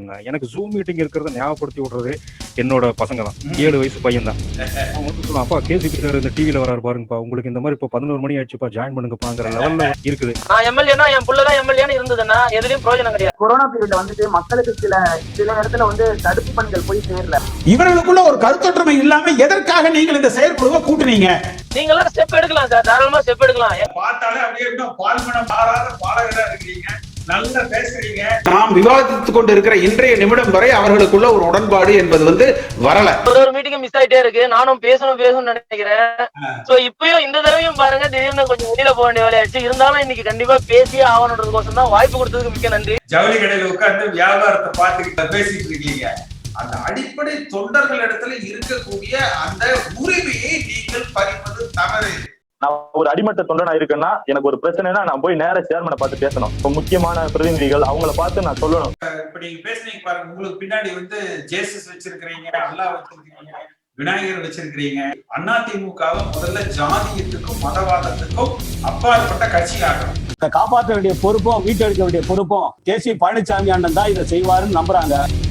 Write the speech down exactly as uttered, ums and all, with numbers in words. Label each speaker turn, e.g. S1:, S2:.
S1: இருக்காங்க. எனக்கு zoom meeting இருக்கிறத ஞாபகப்படுத்தி விடுறது என்னோட பசங்க தான். ஏழு வயசு பையன் தான். அவன் வந்து சொல்லுவான், அப்பா கேசிபி சார் இந்த டிவில வராரு பாருங்கப்பா, உங்களுக்கு இந்த மாதிரி இப்போ பதினோரு மணி ஆயிடுச்சுப்பா, ஜாயின் பண்ணுங்கப்பாங்கிற லெவல்ல இருக்குது.
S2: நான் எம்எல்ஏனா என் புள்ளதான் எம்எல்ஏன்னு இருந்ததுன்னா எதுலயும் பிரயோஜனம் கிடையாது.
S3: கொரோனா பீரியட்ல வந்துட்டு மக்களுக்கு சில சில இடத்துல வந்து தடுப்பு பணிகள் போய் சேரல.
S4: இவர்களுக்குள்ள ஒரு கருத்தொற்றுமை இல்லாம எதற்காக நீங்கள் இந்த செயற்குழுவை கூட்டுனீங்க?
S2: நீங்க எல்லாம் ஸ்டெப் எடுக்கலாம் சார், தாராளமா ஸ்டெப் எடுக்கலாம்.
S5: பார்த்தாலே அப்படியே பால்மனம் மாறாத பாலகரா இருக்கீங்க, நல்லா பேசுறீங்க.
S4: நாம் விவாதித்துக் கொண்டு இருக்கிற இன்றைய நிமிடம் வரை அவர்களுக்குள்ள ஒரு உடன்பாடு என்பது வந்து வரல.
S2: ஒரு ஒரு மீட்டிங் மிஸ் ஆயிட்டே இருக்கு. நானும் பேசணும் பேசணும்னு நினைக்கிறேன். சோ இப்பயும் இந்த தடவையும் பாருங்க, திடீர்னு கொஞ்சம் வெளியில போக வேண்டிய வேலையாச்சு. இருந்தாலும் இன்னைக்கு கண்டிப்பா பேசியே ஆகணுன்றதுக்கோசம் தான் வாய்ப்பு கொடுத்ததுக்கு மிக்க நன்றி.
S5: ஜவுளி கடையில உட்கார்ந்து வியாபாரத்தை பார்த்துக்கிட்டு பேசிட்டு இருக்கீங்க. அந்த அடிப்படை தொண்டர்கள் இடத்துல இருக்கக்கூடிய அந்த உரிமையை நீங்கள் பறிப்பது தவறு.
S6: நான் ஒரு அடிமட்ட தொண்டனா இருக்கேன்னா எனக்கு ஒரு பிரச்சனைனா நான் போய் நேர சேர்மனை பார்த்து பேசணும். இப்போ முக்கியமான பிரதிநிதிகள் அவங்கள பார்த்து நான் சொல்லணும்.
S5: இப்ப நீங்க பேசுனீங்க பாருங்க, உங்களுக்கு பின்னாடி வந்து ஜேசஸ் வச்சிருக்கிறீங்க, அல்லாஹ் வச்சிருக்கிறீங்க, விநாயகர் வச்சிருக்கிறீங்க. அதிமுகவை முதல்ல ஜாதியத்துக்கும் மதவாதத்துக்கும் அப்பாற்பட்ட கட்சி ஆகணும்.
S7: காப்பாற்ற வேண்டிய பொறுப்பும் மீட்டெடுக்க வேண்டிய பொறுப்பும் கே சி பழனிசாமி அண்ணன் தான் இதை செய்வாருன்னு நம்புறாங்க.